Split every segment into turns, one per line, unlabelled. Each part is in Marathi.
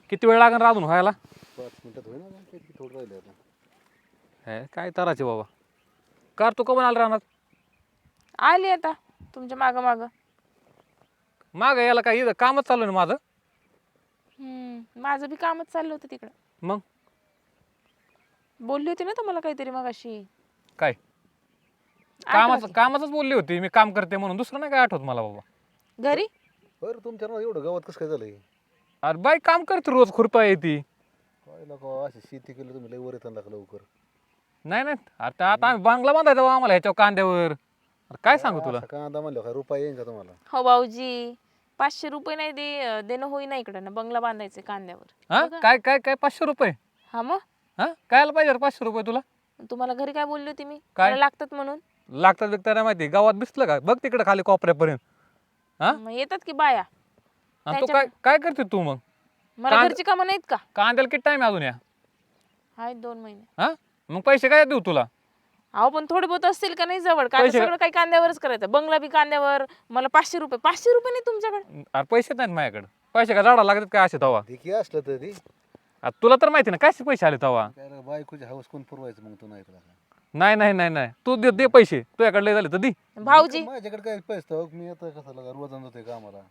किती वेळ लागेल राहून व्हायला?
5 मिनिटात होईल ना, किती थोडं राहिले आता.
हे काय तराचे बाबा. कार तू कमून आला राहणार?
आली आता तुमच्या मागं मागं.
माग याला काय इथं कामच चालू आहे ना माझं.
माझं बी कामच चाललं होतं तिकडं.
मग
बोलली होती ना तुम्हाला काहीतरी मग अशी.
काय
आठवते.
कामाचंच बोलली होती, मी काम करते म्हणून. दुसरं नाही काय आठवत मला बाबा.
घरी
बरं तुमच्या ना एवढं गावात कसं काय झालंय?
अरे बाई काम करते रोज, खुरपा येते.
काय लोक अशी शेती केली तुम्ही, लय वर येताना लागलं लवकर.
नाही नाही आता आम्ही बांगला बांधायचा बा आम्हाला ह्याच्या कांद्यावर. अरे काय सांगू तुला.
असं कांदा म्हणलं काय रुपये येईन का तुम्हाला?
हो भाऊजी, 500 रुपये नाही देणं होईना इकडं ना, बंगला बांधायचे कांद्यावर.
हा काय काय काय 500 रुपये?
हा मग
हा कायला पाहिजे 500 रुपये तुला?
तुम्हाला घरी काय बोलली होती मी?
काय?
मला लागतात म्हणून.
लागतात बिकतात नाही माहिती. गावात दिसलं का बघ तिकडे खाली कोपऱ्यापर्यंत. हा
मग येतात की बाया.
आणि तू काय काय करते तू मग?
मला घरची कामं नाहीत का?
कांद्याला किती टाइम अजून या?
आहेत 2 महिने.
हा मग पैसे काय देऊ तुला?
अहो पण थोडे बहुत असतील का नाही जवळ? काय
पैसे-
सगळं काही कांद्यावरच करायचं. बंगला बी कांद्यावर. मला 500 रुपये. 500 रुपये नाही तुमच्याकडे?
अरे पैसे नाहीत माझ्याकडे. पैसे का झाडा लागतात काय असे तवा?
देखी असलं तर ती
तुला तर माहिती ना कसे पैसे आले तवा.
काय रे, बायकोची हौस कोण पुरवायचं मग तू नाही तर आता.
नाही नाही नाही नाही तू दे पैसे. तुझ्याकडे लय झाले तर दे.
भाऊजी
माझ्याकडे काय पैसे हो, मी आता कसं लागा रोज जातोय कामाला.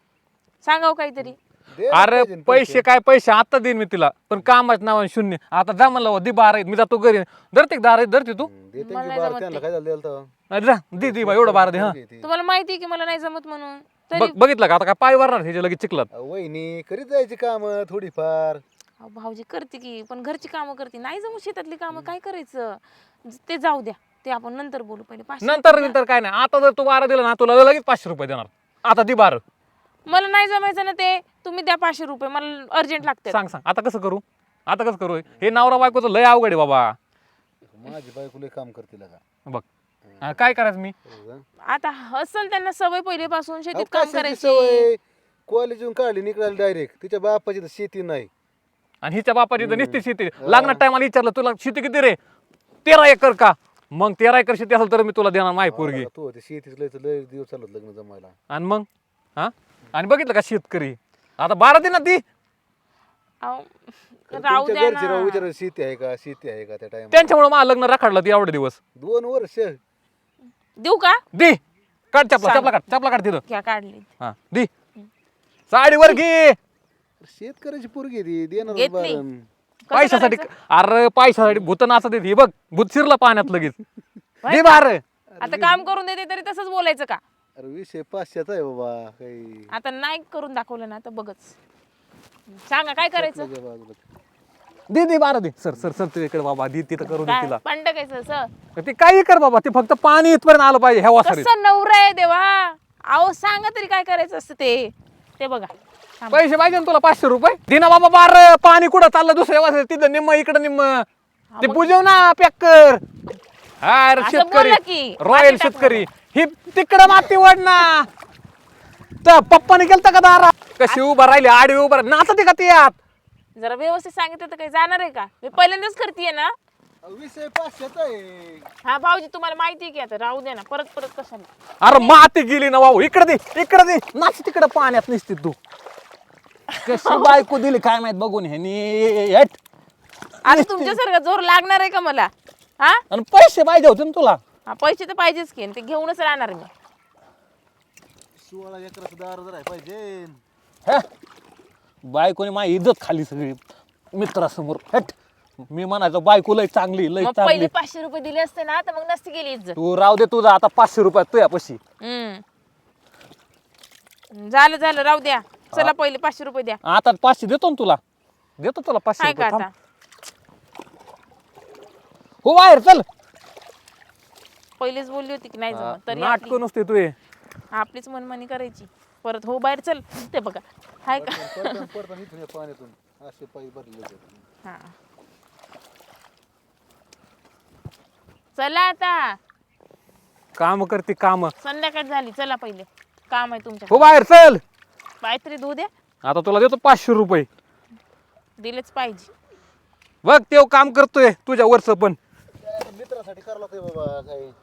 सांगाव काहीतरी.
दे ना
अरे
पाहिजे ना
पैसे काय पैसे आता देईन मी तिला, पण कामाच नाव शून्य. आता जा म्हणलं दे 12 मी जातो घरी. धरते का 12 धरते तू?
देते
मला
की
नाही
बारा
जमत
त्यांना
ते.
काय झालं द्यायला तर?
नाही जा दे बा एवढं 12 दे. हा
तुम्हाला माहिती आहे की मला नाही जमत म्हणून. तरी
बघितलं का आता काय पाय वरणार ह्याच्या लगेच चिखलात.
वहिनी करीत जायची काम थोडीफार.
अहो, भाऊजी करते की, पण घरची कामं करते. नाही जमू शेतातली कामं काय करायचं? ते जाऊ द्या, ते आपण नंतर बोलू. पहिले 500
नंतर काय नाही. आता जर तू 12 दिला ना तुला लगेच 500 रुपये देणार. आता दे 12.
मला नाही जमायचं ना ते. तुम्ही द्या 500 रुपये, मला अर्जंट लागते.
सांग आता कसं करू? आता कसं करू? हे नवरा बायकोचं लय अवघड आहे बाबा.
माझी बायको लय काम करते का?
बघ काय करायचं मी?
आता असल त्यांना सवय पहिलेपासून शेतीत काम करायची.
कॉलेजून काढली निघाली डायरेक्ट. तिच्या बापाची तर शेती नाही.
आणि हिच्या बापाची तर निस्ती शेती. लागणार टायमाला विचारलं तुला शेती किती रे? 13 एकर का? मग 13 एकर शेती असेल तर मी तुला देणार माय पोरगी.
तू ते शेतीच लय दिवस चालत लग्न जमायला.
आणि मग हा आणि बघितलं का शेतकरी आता 12 दे ना ती.
अहो, राहू द्या
घरचे राहू
ना.
विचार शेती आहे का त्या टाइम.
त्यांच्यामुळे मला लग्न राखाडलं ती एवढे दिवस.
2 वर्ष
देऊ का?
दे काढ चपला काढ तिथं.
घ्या काढली.
हा दे साडीवर घे.
शेतकऱ्याची पोरगी ती देणार
घेतली.
बारण.
कसं
पैशासाठी.
करायचं?
अरे पैशासाठी भूत नाचत देते. हे बघ भूत शिरला पाण्यात लगेच. दे 12.
आता काम करून देते तरी तसंच बोलायचं का?
अरे विषय 500चा आहे बाबा काही.
आता नाही करून दाखवलं ना तर बघच. सांगा काय करायचं?
तुझ्या बाजूला.
दे 12 दे. सर तिकडे बाबा दे तिथं करू दे
काय
तिला.
पंडकायचं असं?
ते काही कर बाबा. ते फक्त पाणी इथपर्यंत आलं पाहिजे ह्या वासरीत.
कसं नवरा आहे देवा. अहो सांगा तरी काय करायचं असतं ते बघा. थांबा.
पैसे पाहिजे ना तुला 500 रुपये? दिना बाबा 12. पाणी कुठं चाललं दुसऱ्या वासरीत? तिथं निम्म इकडं निम्म. ते बुजव ना पॅक कर. हा रे
असं
शेतकरी
बोला की.
रॉयल
माती टाक
शेतकरी. ही तिकडं माती वड ना. तर पप्पाने केलं का दारा? कशी उभा राहिली आडवी उभा नाचते का ती आत?
जरा व्यवस्थित सांगितलं तर काही जाणार आहे का? मी पहिल्यांदाच करतेय ना.
विषय 500चा आहे.
हा भाऊजी तुम्हाला माहिती आहे की, आता राहू दे ना. परत कशाला?
अरे माती गेली ना भाऊ. इकडे दे नाच तिकडं पाण्यात निसते तू. कशी बायको दिली काय माहित बघून ह्यानी.
आता तुमच्यासारखं जोर लागणार आहे का मला? हा
आणि पैसे पाहिजे होते ना तुला.
हा, पैसे तर पाहिजेच की. आणि ते घेऊनच राहणार मी.
16 एकराचं दार जर आहे पाहिजे.
हे? बायकोने माझी इज्जत खाली सगळी मित्रासमोर. हट मी म्हणायचो बायको लय चांगली लय
मग
चांगली.
पहिले 500 रुपये दिले असते ना तर मग नसती गेली इज्जत.
तू राहू दे तुझा आता 500 रुपयात तुझ्या पशी.
झालं राहू द्या. चला पहिले 500 रुपये द्या.
आता 500 देतो ना तुला. देतो तुला 500
काय का
रुपये.
आता?
थांब. हो बाहेर चल.
पहिलेच बोलली होती की नाही जमत तरी आपली-
नाटक नसते तू.
आपलीच मनमानी करायची. परत हो बाहेर चल. ते बघा हाय का?
पडताना इथून या पाण्यातून असे पायी भरले जातात.
हा चला आता.
काम करते काम.
संध्याकाळ झाली. चला पहिले काम आहे तुमच्या.
हो बाहेर चल.
काहीतरी धुऊ द्या.
आता तुला देतो 500 रुपये.
दिलेच पाहिजे.
बघ तेव काम करतोय तुझ्या वरच पण.
मित्रासाठी करावं लागतंय बाबा काही.